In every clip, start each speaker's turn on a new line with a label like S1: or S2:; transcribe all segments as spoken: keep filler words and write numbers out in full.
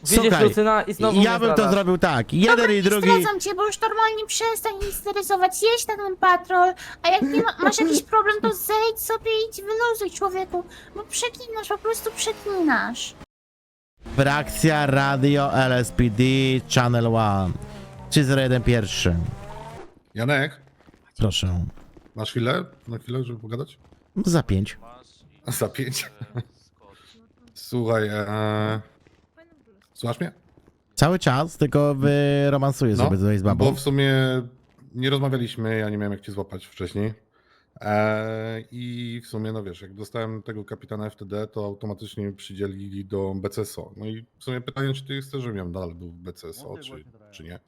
S1: Widzisz
S2: Słuchaj,
S1: Lucyna i znowu
S2: ja
S1: mnie
S2: bym to
S1: zdradasz.
S2: zrobił tak. Jeden
S3: Dobra,
S2: i
S3: nie
S2: drugi.
S3: zdradzam cię, bo już normalnie przestań mnie stresować. Jedź na ten patrol, a jak nie ma, masz jakiś problem, to zejdź sobie i idź wyluzuj, człowieku. Bo przeklinasz, po prostu przeklinasz.
S2: Frakcja Radio L S P D Channel jeden. trzy zero jeden pierwszy.
S4: Janek,
S2: Proszę.
S4: masz chwilę? Na chwilę, żeby pogadać?
S2: Za pięć.
S4: Za pięć. Słuchaj, e... słuchasz mnie?
S2: Cały czas, tylko wyromansuję sobie tutaj z babą.
S4: bo w sumie nie rozmawialiśmy, ja nie miałem jak cię złapać wcześniej. E... I w sumie, no wiesz, jak dostałem tego kapitana F T D, to automatycznie mi przydzielili do B C S O. No i w sumie pytanie, czy ty chcesz, żebym ja dalej był w B C S O, czy, czy nie?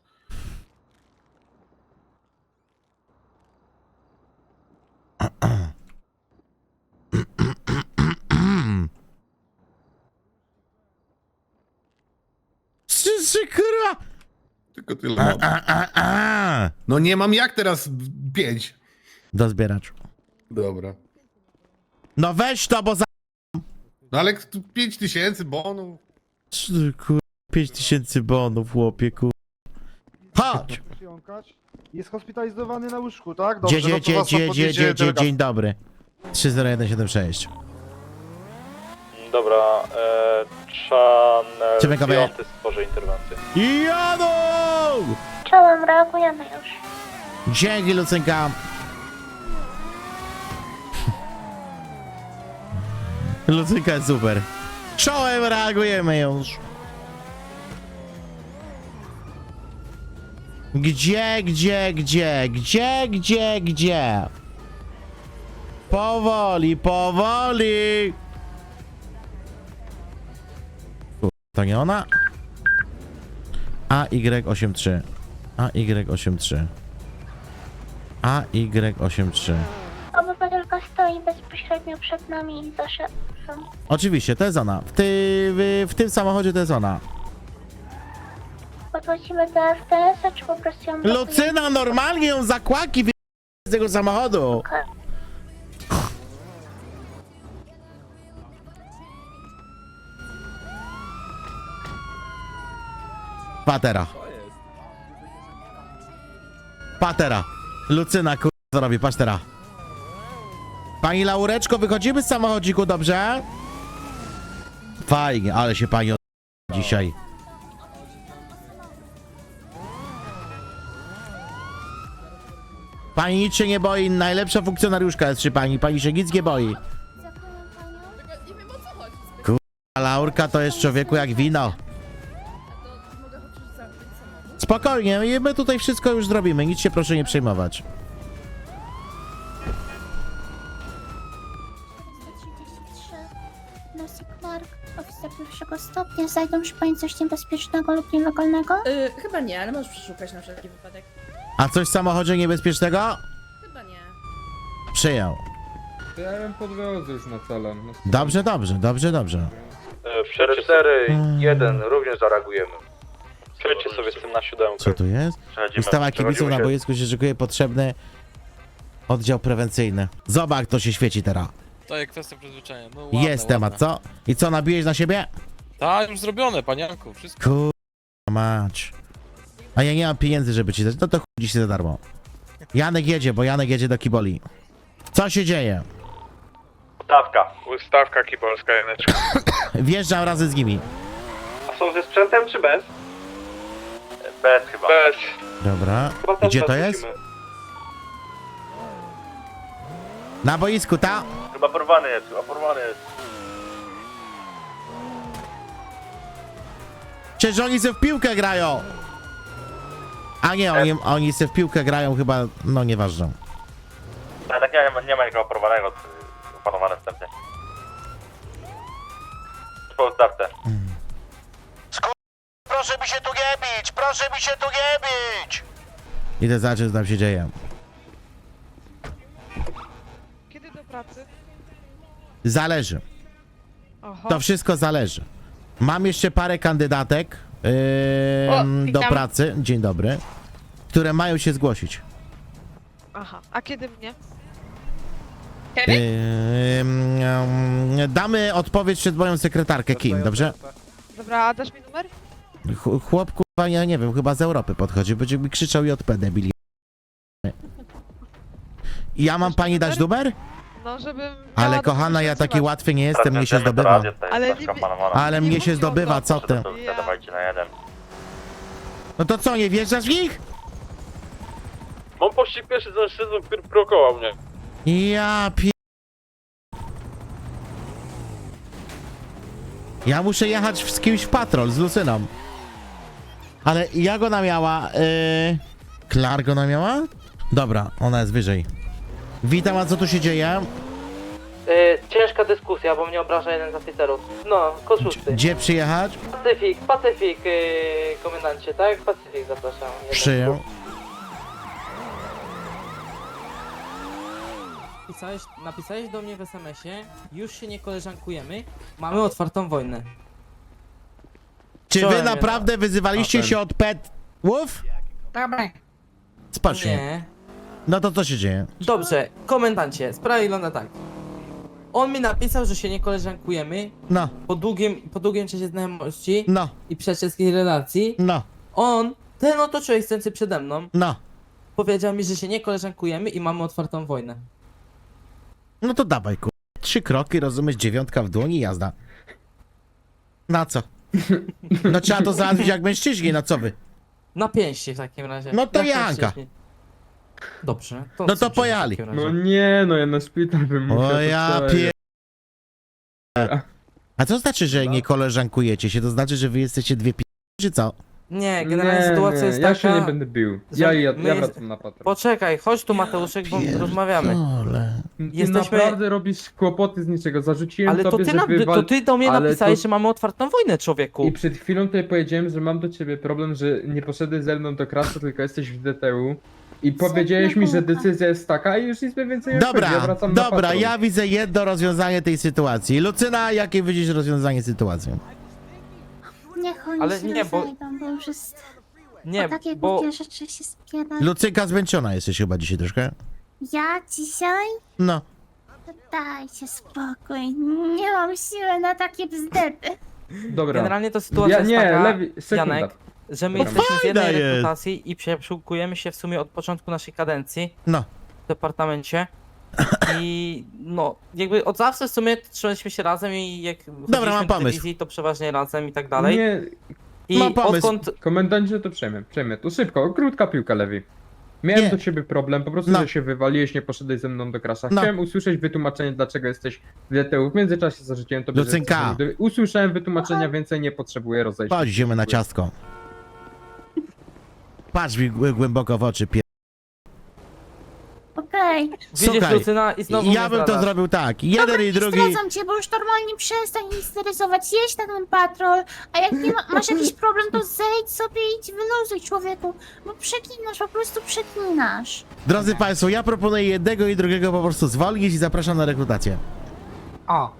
S2: Trzy, trzy, kurwa!
S4: Tylko tyle mam.
S2: A, a, a.
S4: No nie mam jak teraz pięć.
S2: Do zbieracz.
S4: Dobra.
S2: No weź to, bo za...
S4: No ale tu pięć tysięcy bonów.
S2: Trzy, kurwa, pięć tysięcy bonów, chłopie, kurwa. Chodź!
S5: Jąkacz. Jest hospitalizowany na łóżku, tak? Dobrze,
S2: Dzie,
S5: no to
S2: dzie,
S5: was tam
S2: dzie, dzie,
S5: podniesie
S2: dzie, dzie,
S5: delegacja.
S2: dzień dobry. trzy zero jeden siedem sześć.
S6: Dobra, e, Channel
S2: Czekamy.
S6: piąty stworzy interwencję.
S2: Jadą!
S3: Czołem, reagujemy już.
S2: Dzięki, Lucynka. Lucynka jest super. Czołem reagujemy już. Gdzie, gdzie, gdzie, gdzie, gdzie, gdzie? Powoli, powoli. Kur- To nie ona? A Y osiem trzy. A Y osiem trzy. A Y osiem trzy.
S3: Obywatelka stoi bezpośrednio przed nami i za szefem.
S2: Oczywiście, to jest ona. W, ty, w, w tym samochodzie to jest ona.
S3: Podchodzimy do F T S-a, czy po prostu ją blokujemy?
S2: Lucyna, normalnie ją zakłaki wy... z tego samochodu. Patera. Patera. Lucyna, kur... co robi? Patrz teraz. Pani Laureczko, wychodzimy z samochodziku, dobrze? Fajnie, ale się pani od... dzisiaj. Pani nic się nie boi, najlepsza funkcjonariuszka jest przy pani, pani się nic nie boi. Kurwa, Laurka to jest człowieku jak wino. Spokojnie, i my tutaj wszystko już zrobimy, nic się proszę nie przejmować.
S3: czterysta trzydzieści trzy. Lucy Clark, oficer pierwszego stopnia. Znajdą przy pani coś niebezpiecznego lub nielegalnego?
S7: Yy, chyba nie, ale możesz przeszukać na wszelki wypadek.
S2: A coś w samochodzie niebezpiecznego?
S7: Chyba nie.
S2: Przyjął.
S8: To ja bym podwiozę już na celem. No,
S2: Dobrze, dobrze, dobrze, dobrze.
S6: cztery cztery jeden również zareagujemy. Przejdźcie sobie z tym na siódemkę.
S2: Co tu jest? Ustawa kibiców na boisku się szykuje potrzebny oddział prewencyjny. Zobacz, to się świeci teraz.
S9: To jest kwestia przyzwyczajenia. No, ładne,
S2: Jest temat,
S9: ładne.
S2: co? I co, nabiłeś na siebie?
S9: Tak, już zrobione, panianku, wszystko.
S2: Kurwa mać. A ja nie mam pieniędzy, żeby ci dać. No to chuj dziś za darmo. Janek jedzie, bo Janek jedzie do Kiboli. Co się dzieje?
S6: Stawka.
S9: Ustawka kibolska, Janeczka.
S2: Wjeżdżam razem z nimi.
S6: A są ze sprzętem czy bez? Bez chyba.
S9: Bez.
S2: Dobra.
S6: Chyba też
S2: Gdzie
S6: bez
S2: to jest?
S6: musimy.
S2: Na boisku, ta?
S6: Chyba porwany jest, chyba porwany jest.
S2: Przecież oni se w piłkę grają. A nie, oni, oni se w piłkę grają chyba, no nieważne.
S6: Ale tak nie, nie ma nikogo porwanego, opanowane wstępnie. Po stawce.
S2: Proszę mi się tu nie bić! Proszę mi się tu nie bić! Idę zobaczyć, co tam się dzieje.
S7: Kiedy do pracy?
S2: Zależy.
S7: Oho.
S2: To wszystko zależy. Mam jeszcze parę kandydatek yy,
S7: O,
S2: do
S7: witam.
S2: pracy. Dzień dobry. Które mają się zgłosić.
S7: Aha, a kiedy mnie?
S2: Yy, yy, damy odpowiedź przed moją sekretarkę Kim, dobrze?
S7: Dobra, a dasz mi numer?
S2: Ch- Chłop, kurwa, ja nie wiem, chyba z Europy podchodzi, będzie mi krzyczał J P, debili. Ja mam pani dać numer?
S7: No, żebym...
S2: Ale
S7: miała do
S2: kochana,
S7: kogo
S2: ja
S7: się
S2: taki
S7: odzywać.
S2: łatwy nie jestem, mnie się zdobywa.
S7: Ale nie,
S2: Ale
S7: nie
S2: mnie się
S7: mówię o
S2: zdobywa,
S7: to.
S2: co ty?
S7: Ja...
S6: na jeden.
S2: No to co, nie wjeżdżasz w nich?
S9: Mam pościg pierwszy za mężczyzną, który prokował mnie.
S2: Ja pie... Ja muszę jechać z kimś w patrol, z Lucyną. Ale jak ona miała? Yy... Clark ona miała? Dobra, ona jest wyżej. Witam, a co tu się dzieje?
S1: Yy, ciężka dyskusja, bo mnie obraża jeden z oficerów. No, kod szósty.
S2: Gdzie przyjechać?
S1: Pacyfik, Pacyfik, yy, komendancie, tak? Pacyfik, zapraszam. Jeden.
S2: Przyjął.
S1: Napisałeś, napisałeś do mnie w es em esie, już się nie koleżankujemy, mamy otwartą wojnę.
S2: Czy wy
S1: Wczoraj
S2: naprawdę wyzywaliście
S8: A ten.
S2: się od petów?
S1: Dobra.
S2: Spocznie.
S1: Nie.
S2: No to co się dzieje?
S1: Dobrze, komendancie, sprawa wygląda tak. On mi napisał, że się nie koleżankujemy
S2: No,
S1: po długim, po długim czasie znajomości
S2: no,
S1: i przyjacielskiej relacji.
S2: no,
S1: On, ten oto człowiek stojący przede mną,
S2: no.
S1: powiedział mi, że się nie koleżankujemy i mamy otwartą wojnę.
S2: No to dawaj, kur... Trzy kroki, rozumiesz, dziewiątka w dłoni, jazda. Na co? No trzeba to załatwić jak mężczyźni, na co wy?
S1: Na pięści w takim razie.
S2: No to
S1: Jak
S2: Janka.
S1: mężczyźni. Dobrze. To
S2: No to
S1: co
S2: pojali.
S1: w takim razie?
S8: No nie, no ja na szpital bym musiał.
S2: O
S8: to
S2: ja
S8: wczoraj.
S2: pie... A co znaczy, że nie koleżankujecie się? To znaczy, że wy jesteście dwie pi... czy co?
S1: Nie, generalnie
S8: Nie,
S1: sytuacja
S8: nie,
S1: jest
S8: ja
S1: taka...
S8: się nie będę bił.
S1: że
S8: Ja, ja,
S1: my
S8: ja
S1: jest-
S8: wracam na patrol.
S1: Poczekaj, chodź tu Mateuszek, bo rozmawiamy.
S2: Pierdolę.
S8: Ty
S1: jesteśmy-
S8: naprawdę robisz kłopoty z niczego. Zarzuciłem
S1: Ale to
S8: tobie,
S1: ty,
S8: że
S1: nam,
S8: wywal...
S1: to ty do mnie
S8: ale
S1: napisałeś,
S8: to-
S1: że mamy otwartą wojnę, człowieku.
S8: I przed chwilą tutaj powiedziałem, że mam do ciebie problem, że nie poszedłeś ze mną do krasu, tylko jesteś w D T U. I powiedziałeś mi, że decyzja jest taka i już nic mi więcej nie odpowiedzi. Ja
S2: Dobra,
S8: wracam na
S2: dobra,
S8: patrol.
S2: ja widzę jedno rozwiązanie tej sytuacji. Lucyna, jakie widzisz rozwiązanie sytuacji?
S3: Niech oni
S1: Ale
S3: się
S1: nie, bo-
S3: rozejdą, bo już jest...
S1: Nie,
S3: o takie
S1: bo...
S3: głupie rzeczy się spiera.
S2: Lucynka zmęczona jesteś chyba dzisiaj troszkę?
S3: Ja dzisiaj?
S2: No.
S3: Dajcie spokój. Nie mam siły na takie bzdety.
S8: Dobra.
S1: Generalnie to sytuacja
S8: Ja,
S1: jest
S8: nie,
S1: taka,
S8: lewi... sekunda.
S1: Janek, że my
S2: No
S1: jesteśmy w
S2: fajna
S1: jednej
S2: jest.
S1: rekrutacji i przeszukujemy się w sumie od początku naszej kadencji
S2: No.
S1: w departamencie. I no, jakby od zawsze w sumie trzymaliśmy się razem i jak chodziliśmy
S2: mam
S1: do
S2: pomysł.
S1: dywizji, to przeważnie razem i tak dalej.
S8: Nie,
S1: I
S2: mam pomysł.
S1: odkąd...
S8: komendancie to przejmę, przejmę. To szybko, krótka piłka, Lewi. Miałem
S2: Nie.
S8: do ciebie problem, po prostu,
S2: No.
S8: że się wywaliłeś, nie poszedłeś ze mną do krasza.
S2: No.
S8: Chciałem usłyszeć wytłumaczenie, dlaczego jesteś w D T U. W międzyczasie zarzuciłem tobie, że
S2: Lucynka.
S8: jesteś w- Usłyszałem wytłumaczenia, więcej nie potrzebuję rozejść.
S2: Chodź, idziemy na ciastko. Patrz mi głę- głęboko w oczy, pie...
S3: Okej.
S1: Widzisz,
S2: Słuchaj,
S1: Lucyna, i znowu
S2: ja
S1: mnie
S2: bym to
S1: zdradasz.
S2: zrobił tak. Jeden i
S3: Nie
S2: drugi...
S3: zdradzam cię, bo już normalnie przestań mnie steryzować. Jedź na ten patrol, a jak nie ma, masz jakiś problem, to zejdź sobie i idź wyluzuj, człowieku. Bo przeklinasz, po prostu przeklinasz.
S2: Drodzy Państwo, ja proponuję jednego i drugiego po prostu zwolnić i zapraszam na rekrutację.
S1: O,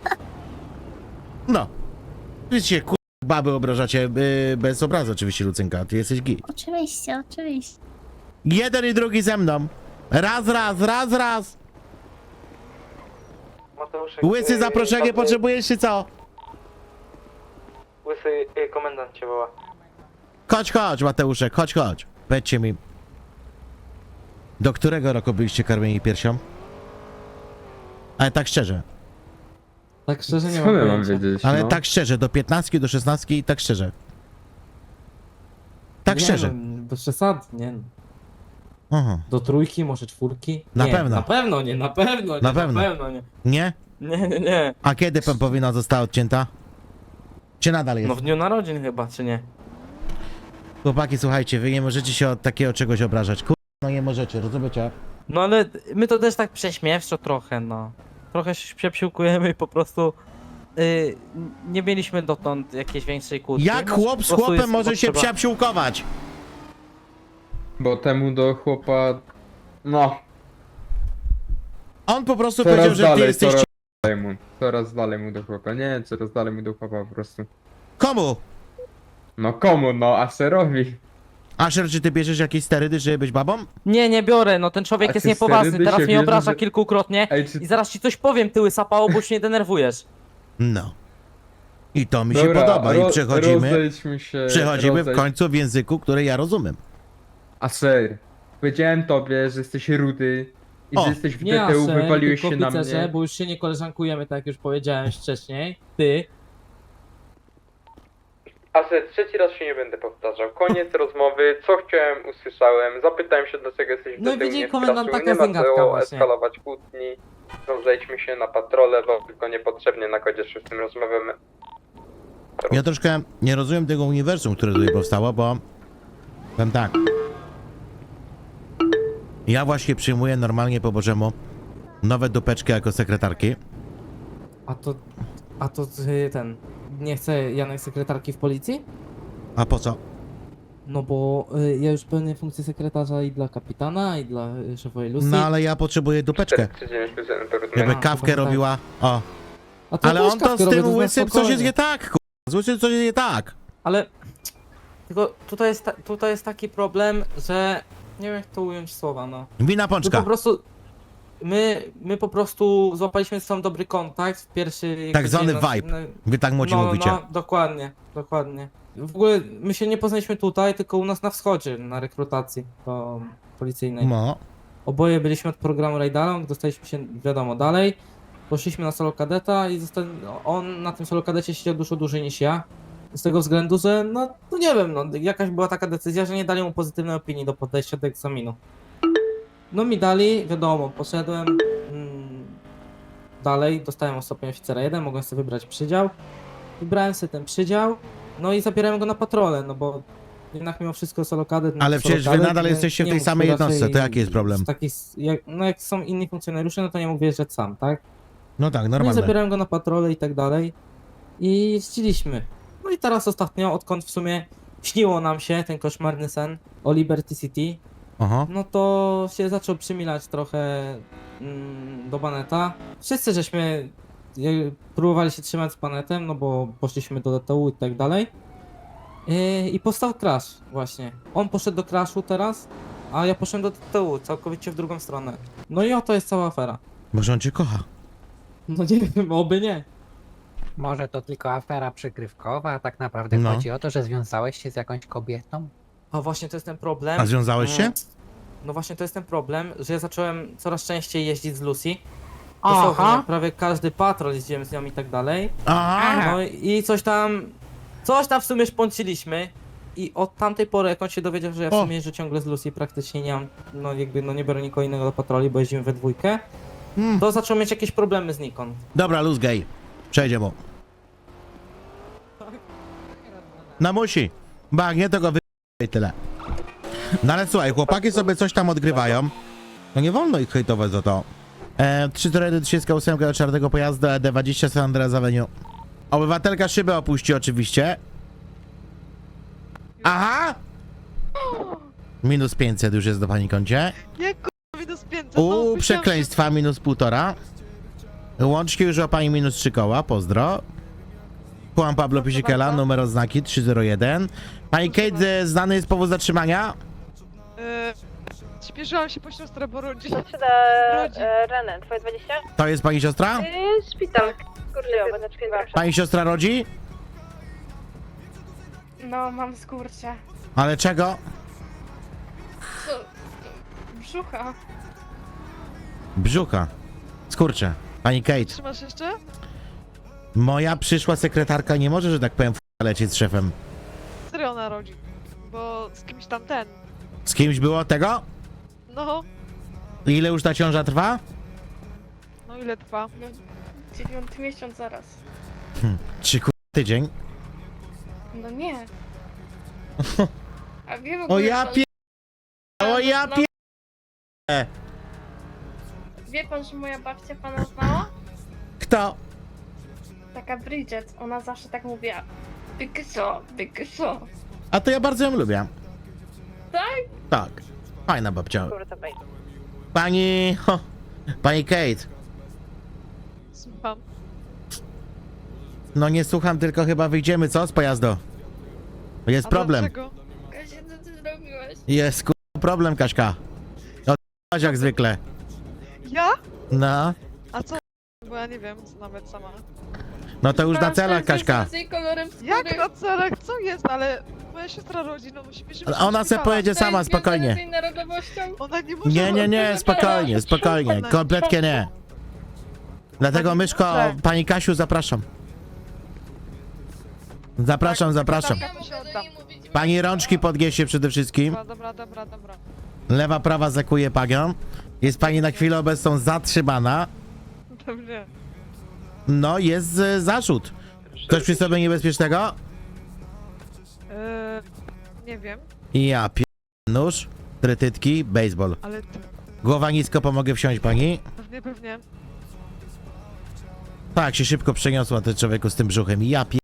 S2: No. Widzicie, kur... baby obrażacie, yy, bez obrazu oczywiście, Lucynka, ty jesteś git.
S3: Oczywiście, oczywiście.
S2: Jeden i drugi ze mną. Raz, raz, raz, raz.
S1: Mateuszek,
S2: Łysy
S1: y,
S2: zaproszenie
S1: y,
S2: potrzebujesz czy co?
S1: Łysy, y, komendant cię woła.
S2: Chodź, chodź, Mateuszek, chodź, chodź. Powiedzcie mi. Do którego roku byliście karmieni piersią? Ale tak szczerze.
S1: Tak szczerze nie
S8: Co
S1: mam
S8: ja mam
S1: pojęcia.
S8: wiedzieć,
S2: Ale
S8: no?
S2: tak szczerze, do piętnastki, do szesnastki i tak szczerze. Tak
S1: Nie,
S2: szczerze.
S1: No, bez przesady, nie no.
S2: Aha.
S1: Do trójki, może czwórki?
S2: Na
S1: nie,
S2: pewno.
S1: Na pewno nie, na pewno nie,
S2: Na pewno.
S1: Na pewno nie.
S2: Nie?
S1: Nie, nie, nie.
S2: A kiedy pępowina została odcięta? Czy nadal jest?
S1: No w dniu narodzin chyba, czy nie?
S2: Chłopaki, słuchajcie, wy nie możecie się od takiego czegoś obrażać. Kur... no nie możecie, rozumiecie?
S1: No ale my to też tak prześmiewczo trochę, no. Trochę się przepsiłkujemy i po prostu y, nie mieliśmy dotąd jakiejś większej kłótni.
S2: Jak
S1: No,
S2: chłop
S1: po
S2: z
S1: prostu
S2: chłopem
S1: jest
S2: może się
S1: potrzeba-
S2: psiapsiłkować?
S8: Bo temu do chłopa... No,
S2: On po prostu
S8: coraz
S2: powiedział, że ty
S8: dalej,
S2: jesteś...
S8: coraz dalej mu. Coraz dalej mu do chłopa. Nie, coraz dalej mu do chłopa po prostu.
S2: Komu?
S8: No komu, no, Aserowi.
S2: Asher, czy ty bierzesz jakieś sterydy, żeby być babą?
S1: Nie, nie biorę, no ten człowiek
S8: A
S1: jest
S8: czy
S1: niepoważny,
S8: sterydy
S1: teraz
S8: się
S1: mnie
S8: bierze,
S1: obraża
S8: że-
S1: kilkukrotnie
S8: Ej, czy...
S1: i zaraz ci coś powiem, tyły sapało, bo już mnie denerwujesz.
S2: No. I to mi się
S8: Dobra,
S2: podoba. I
S8: ro-
S2: przechodzimy,
S8: rozejdźmy się.
S2: przechodzimy w
S8: rozejdź-
S2: końcu w języku, który ja rozumiem.
S8: A ser, powiedziałem tobie, że jesteś rudy i
S2: O,
S8: że jesteś w
S1: Nie
S8: D T U,
S1: Asher,
S8: wywaliłeś
S1: tylko
S8: się na
S1: oficerze,
S8: mnie.
S1: bo już się nie koleżankujemy, tak jak już powiedziałem wcześniej. Ty.
S8: Aset, trzeci raz się nie będę powtarzał. Koniec rozmowy, co chciałem, usłyszałem. Zapytałem się, dlaczego jesteś w
S1: No i
S8: D T U,
S1: widzi
S8: nie
S1: komendant,
S8: wkraczył.
S1: taka
S8: Nie ma
S1: zęgatka
S8: co
S1: właśnie.
S8: eskalować kłótni. Rozejdźmy się na patrole, bo tylko niepotrzebnie na kodzie szóstym rozmawiamy.
S2: Ja troszkę nie rozumiem tego uniwersum, które tutaj powstało, bo powiem tak. Ja właśnie przyjmuję normalnie po Bożemu nowe dupeczki jako sekretarki.
S1: A to... A to ty, ten... Nie chce Janek sekretarki w policji?
S2: A po co?
S1: No bo y, ja już pełnię funkcję sekretarza i dla kapitana, i dla y, szefowej Lucy.
S2: No ale ja potrzebuję dupeczkę.
S8: cztery trzy dziewięć plus jeden to
S2: Żeby
S1: A,
S2: kawkę
S1: chyba tak.
S2: robiła. O.
S1: A to
S2: Ale
S1: też
S2: on to
S1: kawkę
S2: z
S1: robię,
S2: tym
S1: to jest na
S2: łysym coś
S1: spokojnie.
S2: jest nie tak, ku... Z łysym coś jest nie tak.
S1: Ale... Tylko tutaj jest, ta, tutaj jest taki problem, że... Nie wiem jak to ująć słowa, no.
S2: Wina
S1: My
S2: pączka.
S1: po prostu... My, my po prostu złapaliśmy z sobą dobry kontakt w pierwszy... jakby
S2: Tak zwany
S1: dzień nas-
S2: vibe.
S1: no,
S2: Wy tak młodzi
S1: no,
S2: mówicie.
S1: No, dokładnie, dokładnie. W ogóle my się nie poznaliśmy tutaj, tylko u nas na wschodzie, na rekrutacji do policyjnej.
S2: No.
S1: Oboje byliśmy od programu Raidalong, dostaliśmy się, wiadomo, dalej. Poszliśmy na solo kadeta i zosta- no, on na tym solo kadecie siedział dużo dłużej niż ja. Z tego względu, że no, no nie wiem, no jakaś była taka decyzja, że nie dali mu pozytywnej opinii do podejścia do egzaminu. No mi dali, wiadomo, poszedłem mm, dalej, dostałem o stopień oficera jeden, mogłem sobie wybrać przydział. Wybrałem sobie ten przydział, no i zabierałem go na patrolę, no bo jednak mimo wszystko solo kadet... no
S2: Ale
S1: to
S2: przecież
S1: solo
S2: wy
S1: kadet,
S2: nadal
S1: nie-
S2: jesteście w
S1: nie
S2: tej
S1: mógł
S2: samej
S1: raczej
S2: jednostce, to jaki jest problem?
S1: z takich, jak, no jak są inni funkcjonariusze, no to nie mógł wjeżdżać sam, tak?
S2: No tak,
S1: No i
S2: normalne.
S1: zabierałem go na patrolę i tak dalej. I jeździliśmy. No i teraz ostatnio, odkąd w sumie śniło nam się ten koszmarny sen o Liberty City,
S2: Aha.
S1: no to się zaczął przymilać trochę mm, do Baneta. Wszyscy żeśmy e, próbowali się trzymać z Banetem, no bo poszliśmy do D T U i tak dalej. E, I powstał crash właśnie. On poszedł do crashu teraz, a ja poszedłem do D T U, całkowicie w drugą stronę. No i oto jest cała afera.
S2: Może on cię kocha.
S1: No nie wiem, oby nie.
S10: Może to tylko afera przykrywkowa, a tak naprawdę
S2: No.
S10: chodzi o to, że związałeś się z jakąś kobietą?
S1: A właśnie to jest ten problem.
S2: A związałeś się?
S1: Mm, No właśnie to jest ten problem, że ja zacząłem coraz częściej jeździć z Lucy.
S10: Aha.
S1: Dosłownie, prawie każdy patrol jeździłem z nią i tak dalej.
S2: Aha.
S1: No i coś tam, coś tam w sumie szponciliśmy. I od tamtej pory, jak on się dowiedział, że ja w
S2: O.
S1: sumie jeżdżę ciągle z Lucy, praktycznie nie mam, no jakby, no nie biorę nikogo innego do patroli, bo jeździmy we dwójkę,
S2: Hmm.
S1: to zaczął mieć jakieś problemy z Nikon.
S2: Dobra, luz gay. Przejdzie mu. No musi. Bo jak nie, to go wy... i tyle. No ale słuchaj, chłopaki sobie coś tam odgrywają. No nie wolno ich hejtować za to. E, trzy cztery jeden trzydzieści osiem do czwartego pojazdu E D dwadzieścia San Andreas Avenue. Obywatelka szybę opuści oczywiście. Aha! Minus pięćset już jest do pani koncie.
S7: Jak k***a minus pięćset? no,
S2: U
S7: myślałem,
S2: przekleństwa minus półtora. Łączki już o pani minus trzy koła, pozdro. Juan Pablo Pisikela, numer oznaki trzy zero jeden. Pani Kate, e, znany jest powód zatrzymania?
S7: że, Yy, śpieszyłam się po siostrę, bo rodzi. Rodzi.
S3: René, twoje dwadzieścia?
S2: To jest pani siostra?
S3: Szpital. Kurczę,
S2: Pani siostra rodzi?
S3: No, mam skurcze.
S2: Ale czego?
S3: Brzucha.
S2: Brzucha. Skurczę. Pani Kate,
S7: Trzymasz jeszcze?
S2: moja przyszła sekretarka nie może, że tak powiem, f- lecieć z szefem.
S7: Serio ona rodzi. Bo z kimś tam ten.
S2: Z kimś było tego?
S7: No,
S2: Ile już ta ciąża trwa?
S7: no ile trwa?
S3: No, dziewiąty miesiąc zaraz.
S2: Trzy ku... tydzień.
S3: No nie. A wie w
S2: O
S3: ogóle,
S2: ja
S3: pan-
S2: pie... O ja
S3: no,
S2: pie...
S3: Wie pan, że moja babcia pana znała?
S2: Kto?
S3: Taka Bridget, ona zawsze tak mówiła. Bykso, bykso.
S2: A to ja bardzo ją lubię.
S3: Tak?
S2: Tak. Fajna babcia. Pani... Ho, pani Kate.
S7: Słucham.
S2: No nie słucham, tylko chyba wyjdziemy, co? Z pojazdu. Jest
S7: A
S2: problem.
S7: dlaczego?
S3: Kasia, co ty zrobiłeś?
S2: Jest ku... problem, Kaśka. Odpaść jak zwykle.
S7: Ja?
S2: No.
S7: A co? Bo ja nie wiem, co nawet sama.
S2: No to już na celach, Kaśka.
S7: Jak na celach? Co jest? Ale moja siostra rodzi, no musimy się...
S2: Ona se pojedzie sama, spokojnie.
S7: Ona nie może...
S2: Nie, nie, nie, spokojnie, spokojnie, kompletnie nie. Dlatego, Myszko, pani Kasiu, zapraszam. Zapraszam, zapraszam.
S7: Tak, to się oddam.
S2: Pani rączki podniesie przede wszystkim.
S7: Dobra, dobra, dobra, dobra.
S2: Lewa, prawa zakuje panią. Jest pani na chwilę obecną zatrzymana.
S7: Dobrze.
S2: No, jest e, zarzut. Coś przy sobie niebezpiecznego?
S7: Eee, nie wiem,
S2: Ja pi... nóż, trytytki, baseball.
S7: ale ty...
S2: Głowa nisko, pomogę wsiąść pani?
S7: Pewnie, pewnie.
S2: Tak, się szybko przeniosła ten człowieku z tym brzuchem. Ja pi...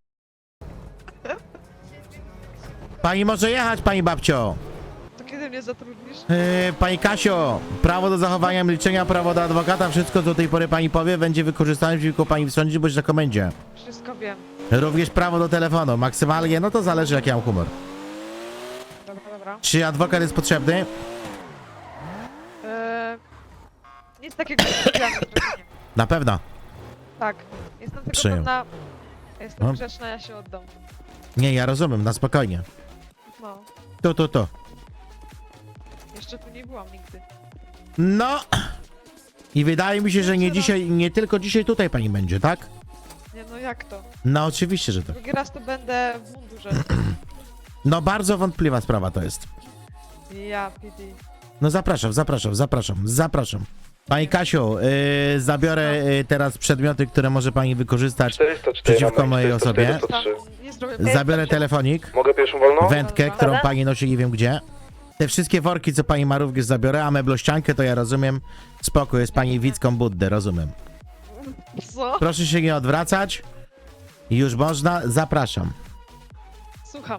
S2: Pani może jechać, pani babcio.
S7: To kiedy mnie zatrudnisz?
S2: Yy, pani Kasio, prawo do zachowania milczenia, prawo do adwokata, wszystko co do tej pory pani powie będzie wykorzystane przeciwko pani w sądzie bądź na komendzie.
S7: Wszystko wiem.
S2: Również prawo do telefonu, maksymalnie, no to zależy jaki mam humor.
S7: Dobra, dobra.
S2: Czy adwokat jest potrzebny?
S7: Eee, nic takiego nie zrobiłam na droginie.
S2: Na pewno.
S7: Tak, jestem tylko
S2: Przyjął.
S7: pewna... Jestem
S2: No.
S7: grzeczna, ja się oddam.
S2: Nie, ja rozumiem, na spokojnie.
S7: No,
S2: Tu, tu, tu.
S7: jeszcze tu nie byłam nigdy.
S2: No. I wydaje mi się, że nie dzisiaj, nie tylko dzisiaj tutaj pani będzie, tak?
S7: Nie no, jak to?
S2: No oczywiście, że tak.
S7: Drugi raz to będę w mundurze.
S2: No bardzo wątpliwa sprawa to jest.
S7: Ja, P D.
S2: No zapraszam, zapraszam, zapraszam, zapraszam. Pani Kasiu, yy, zabiorę yy, teraz przedmioty, które może pani wykorzystać przeciwko mojej osobie.
S7: Tam nie zrobię...
S2: Zabiorę telefonik,
S6: Mogę pierwszą wolną?
S2: wędkę, którą pani nosi nie wiem gdzie. Te wszystkie worki, co pani ma, również zabiorę, a meblościankę to ja rozumiem. Spoko, jest pani Wicką Buddę, rozumiem.
S7: Co?
S2: Proszę się nie odwracać. Już można, zapraszam.
S7: Słucham.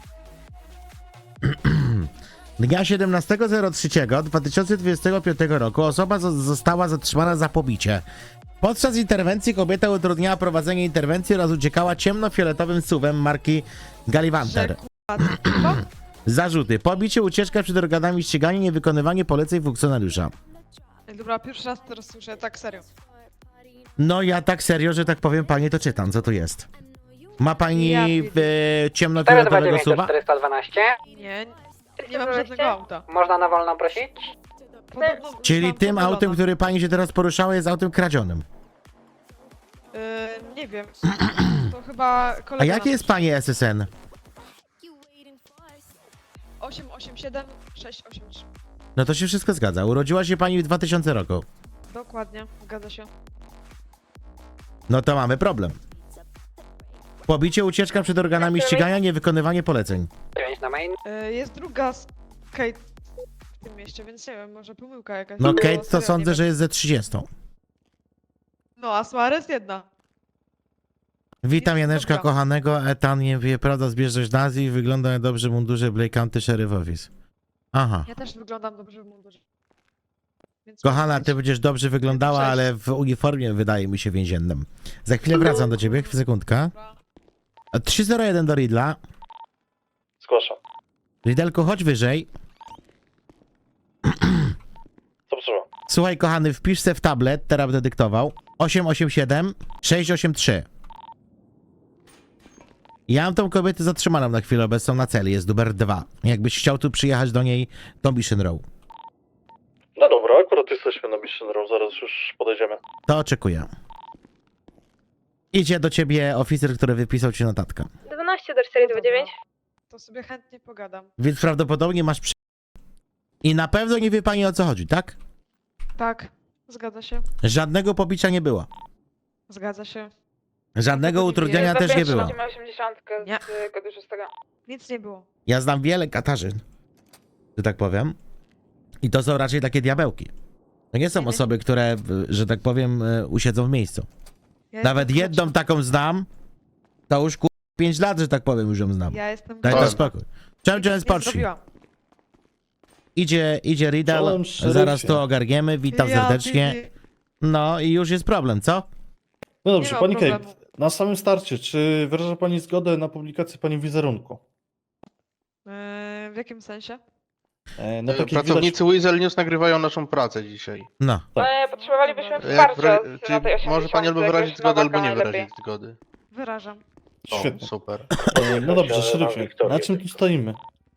S2: Dnia siedemnastego trzeciego dwa tysiące dwudziestego piątego roku osoba zo- została zatrzymana za pobicie. Podczas interwencji kobieta utrudniała prowadzenie interwencji oraz uciekała ciemnofioletowym suwem marki Gallivanter.
S7: Chyba?
S2: Zarzuty: pobicie, ucieczka przed organami ścigania, niewykonywanie poleceń funkcjonariusza.
S7: Ej, dobra, pierwszy raz teraz słyszę, tak serio.
S2: No ja tak serio, że tak powiem pani, to czytam, co tu jest. Ma pani
S7: Ja
S2: e, ciemnofioletowego suwa?
S10: czterysta dwanaście.
S7: Nie, nie mam żadnego auta.
S10: Można na wolną prosić?
S7: Podobno
S2: Czyli
S7: mam
S2: tym
S7: pomylona.
S2: autem, który pani się teraz poruszała, jest autem kradzionym.
S7: Yy, nie wiem. To chyba kolega...
S2: A jakie
S7: nam-
S2: jest pani S S N?
S7: osiem osiem siedem sześć osiem trzy.
S2: No to się wszystko zgadza. Urodziła się pani w dwa tysiące roku.
S7: Dokładnie, zgadza się.
S2: No to mamy problem. Pobicie, ucieczka przed organami ścigania, niewykonywanie poleceń.
S10: dziewięć na main.
S7: Yy, jest druga z Kate w tym mieście, więc nie wiem, może pomyłka jakaś.
S2: No
S7: Bo
S2: Kate to
S7: serio nie
S2: sądzę,
S7: wiem.
S2: że jest ze trzydziestą.
S7: No, a Suarez jedna.
S2: Witam
S7: Jest
S2: Janeczka
S7: dobra.
S2: kochanego, Etan nie wie, prawda, zbieżność z Azji, wygląda na dobrze w mundurze Blake County Sheriff Office. Aha.
S7: Ja też wyglądam dobrze w mundurze. Więc
S2: Kochana,
S7: może
S2: ty
S7: być.
S2: będziesz dobrze wyglądała,
S7: Cześć.
S2: ale w uniformie wydaje mi się więziennym. Za chwilę wracam do ciebie, sekundka.
S7: Dobra.
S2: trzy zero jeden do Ridla.
S9: Zgłaszam.
S2: Ridelku, chodź wyżej.
S9: Co potrzeba?
S2: Słuchaj, kochany, wpisz se w tablet, teraz będę dyktował. osiem osiem siedem sześć osiem trzy. Ja mam tą kobietę zatrzymaną na chwilę obecną na celi, jest numer dwa. Jakbyś chciał tu przyjechać do niej, to Mission Row.
S9: No dobra, akurat jesteśmy na Mission Row, zaraz już podejdziemy.
S2: To oczekuję. Idzie do ciebie oficer, który wypisał ci notatkę.
S7: dwanaście do cztery dwa dziewięć. To sobie chętnie pogadam.
S2: Więc prawdopodobnie masz przy... I na pewno nie wie pani o co chodzi, tak?
S7: Tak, zgadza się.
S2: Żadnego pobicia nie było.
S7: Zgadza się.
S2: Żadnego utrudniania też nie było.
S7: osiemdziesiąt Nie. Nic nie było.
S2: Ja znam wiele Katarzyn, że tak powiem. I to są raczej takie diabełki. To nie są
S7: Nie, nie.
S2: osoby, które, y, że tak powiem, y, usiedzą w miejscu.
S7: Ja
S2: Nawet
S7: jestem
S2: jedną taką znam, to już ku... pięć lat, że tak powiem, już ją znam.
S7: Ja jestem
S2: Daj to
S7: grzeczna.
S2: spokój. Czemu cię
S7: Nie
S2: spocznij?
S7: zrobiłam.
S2: Idzie, idzie Riddle,
S5: Czołem szeryfie.
S2: zaraz to ogarniemy, witam
S7: Ja,
S2: serdecznie.
S7: Bibi.
S2: No i już jest problem, co?
S5: No
S7: Nie
S5: dobrze,
S7: ma
S5: pani
S7: problemu.
S5: Kate, na samym starcie, czy wyraża pani zgodę na publikację pani wizerunku?
S7: Yy, w jakim sensie?
S5: E, na takich
S11: Pracownicy Weasel News nagrywają naszą pracę dzisiaj.
S2: No.
S7: potrzebowalibyśmy
S11: Jak wra- czy może pani albo wyrazić zgodę, albo nie wyrazić zgody.
S7: Wyrażam.
S11: O,
S5: Świetnie.
S11: super.
S5: E, no dobrze, szeryfie, na czym tu stoimy?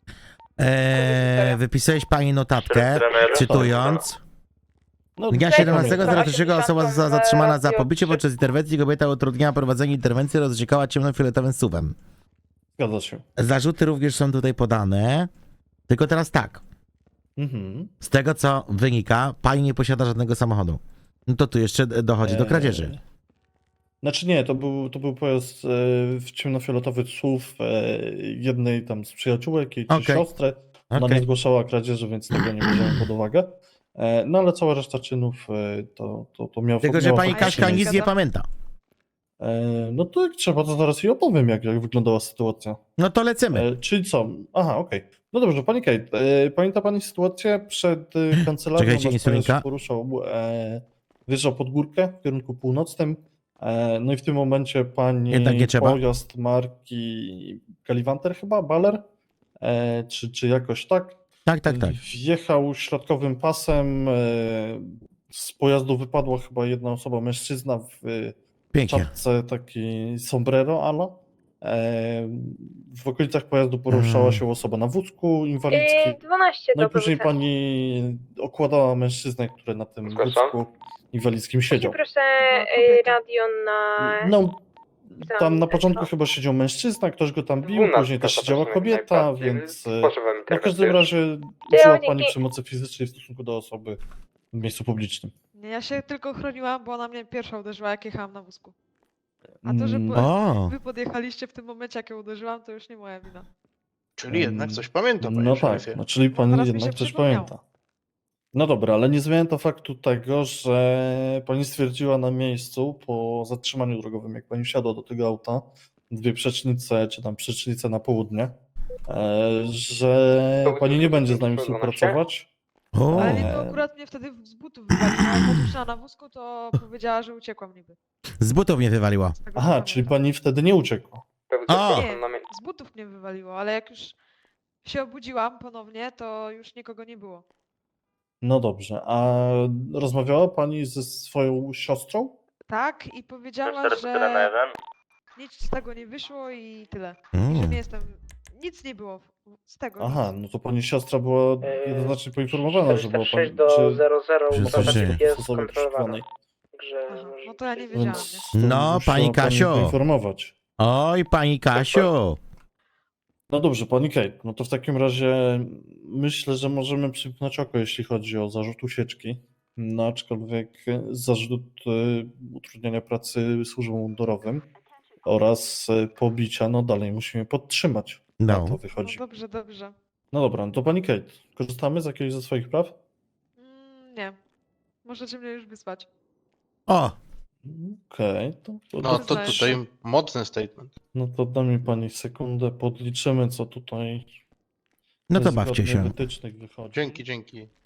S2: Eee, wypisałeś pani notatkę, cytując.
S5: No,
S2: Dnia
S5: czekamy.
S2: siedemnastego trzeciego osoba została zatrzymana za pobicie podczas interwencji. Kobieta utrudniała prowadzenie interwencji, rozrzekała ciemnofioletowym suwem.
S5: Zgadza się.
S2: Zarzuty również są tutaj podane. Tylko teraz tak.
S5: Mhm.
S2: Z tego co wynika, pani nie posiada żadnego samochodu. No to tu jeszcze dochodzi do kradzieży.
S5: Eee, Znaczy nie, to był, to był pojazd e, w ciemnofioletowy S U V e, jednej tam z przyjaciółek, jej czy
S2: Okej.
S5: siostry. Ona
S2: Okej.
S5: nie zgłaszała kradzieży, więc tego nie bierzemy pod uwagę. E, no ale cała reszta czynów e, to, to, to miało
S2: Tylko, że
S5: miało
S2: pani
S5: faktycznie
S2: Kaśka
S5: miejsce.
S2: nic nie pamięta.
S5: E, no to jak trzeba, to zaraz jej opowiem, jak, jak wyglądała sytuacja.
S2: No to lecimy.
S5: E, czyli co? Aha, okej. No dobrze, pani Kate, e, pamięta pani sytuację przed e, kancelarią?
S2: Czekajcie,
S5: nasz
S2: insulinka.
S5: pojazd się poruszał, e, wjeżdżał pod górkę w kierunku północnym. E, no i w tym momencie pani
S2: Jednak nie trzeba.
S5: pojazd marki Galivanter chyba, Baller? E, czy, czy jakoś tak?
S2: Tak, tak, tak.
S5: Wjechał środkowym pasem. E, z pojazdu wypadła chyba jedna osoba, mężczyzna w e,
S2: Pięknie.
S5: czapce taki sombrero ala. E, w okolicach pojazdu poruszała
S2: Mm.
S5: się osoba na wózku inwalidzkim.
S3: dwanaście
S5: No i później pani okładała mężczyznę, który na tym
S6: Zgłaszam.
S5: wózku inwalidzkim siedział.
S3: Proszę
S7: y,
S3: radio na...
S5: No, tam na początku chyba siedział mężczyzna, ktoś go tam bił, później też siedziała kobieta, więc e, no w każdym razie użyła pani przemocy fizycznej w stosunku do osoby w miejscu publicznym.
S7: Nie, ja się tylko chroniłam, bo ona mnie pierwsza uderzyła, jak jechałam na wózku. A to, że
S5: Mm,
S7: po-
S2: O,
S7: wy podjechaliście w tym momencie, jak ją uderzyłam, to już nie moja wina.
S11: Czyli jednak coś pamiętam, panie
S5: No tak,
S11: szeryfie.
S5: no, czyli pani
S7: teraz mi
S5: jednak
S7: się
S5: coś
S7: przypomniało.
S5: pamięta. No dobra, ale nie zmienia to faktu tego, że pani stwierdziła na miejscu po zatrzymaniu drogowym, jak pani wsiadła do tego auta, dwie przecznice, czy tam przecznice na południe, e, że
S6: To
S5: pani nie będzie z nami
S6: dwanaście?
S5: współpracować.
S2: o.
S7: Ale nie, to
S5: Eee.
S7: akurat mnie wtedy z butów wywaliło. Jak odpuszczała na wózku, to powiedziała, że uciekłam niby.
S2: Z butów mnie wywaliła.
S7: Z tego, co
S5: Aha,
S7: pamiętam.
S5: czyli pani wtedy nie uciekła.
S2: A.
S7: Nie, z butów mnie wywaliło, ale jak już się obudziłam ponownie, to już nikogo nie było.
S5: No dobrze, a rozmawiała pani ze swoją siostrą?
S7: Tak, i powiedziała, że nic z tego nie wyszło i tyle. I że
S2: Mm.
S7: nie jestem... Nic nie było z tego.
S5: Aha,
S7: nic.
S5: no to pani siostra była jednoznacznie poinformowana, że była pani,
S6: do
S5: czy
S6: zero zero,
S2: Że
S6: bo
S2: coś
S6: tam
S2: dzieje.
S6: jest
S5: osoby
S6: skontrolowane.
S5: przeszukiwanej.
S6: Że
S7: Aha,
S6: może
S7: no to ja nie
S6: być-
S7: wiedziałam,
S5: Więc
S7: nie?
S5: to
S2: No,
S5: musiała
S2: pani Kasiu.
S5: poinformować.
S2: Oj, pani Kasiu.
S5: No dobrze, pani Kate, no to w takim razie myślę, że możemy przymknąć oko, jeśli chodzi o zarzut ucieczki. No aczkolwiek zarzut y, utrudniania pracy służbom mundurowym oraz y, pobicia, no dalej musimy podtrzymać. Na
S2: No.
S5: to
S7: No
S5: wychodzi.
S7: dobrze, dobrze.
S5: No dobra, no to pani Kate, korzystamy z jakiegoś ze swoich praw?
S7: Mm, nie. Możecie mnie już wysłać.
S2: O,
S5: Okej, to, to,
S11: No to
S7: Przyznaję
S11: tutaj
S7: się.
S11: mocny statement.
S5: no to da mi pani sekundę, podliczymy co tutaj
S2: no to
S5: z
S2: bawcie
S5: zgodnych
S2: się.
S5: wytycznych wychodzi.
S11: Dzięki, dzięki.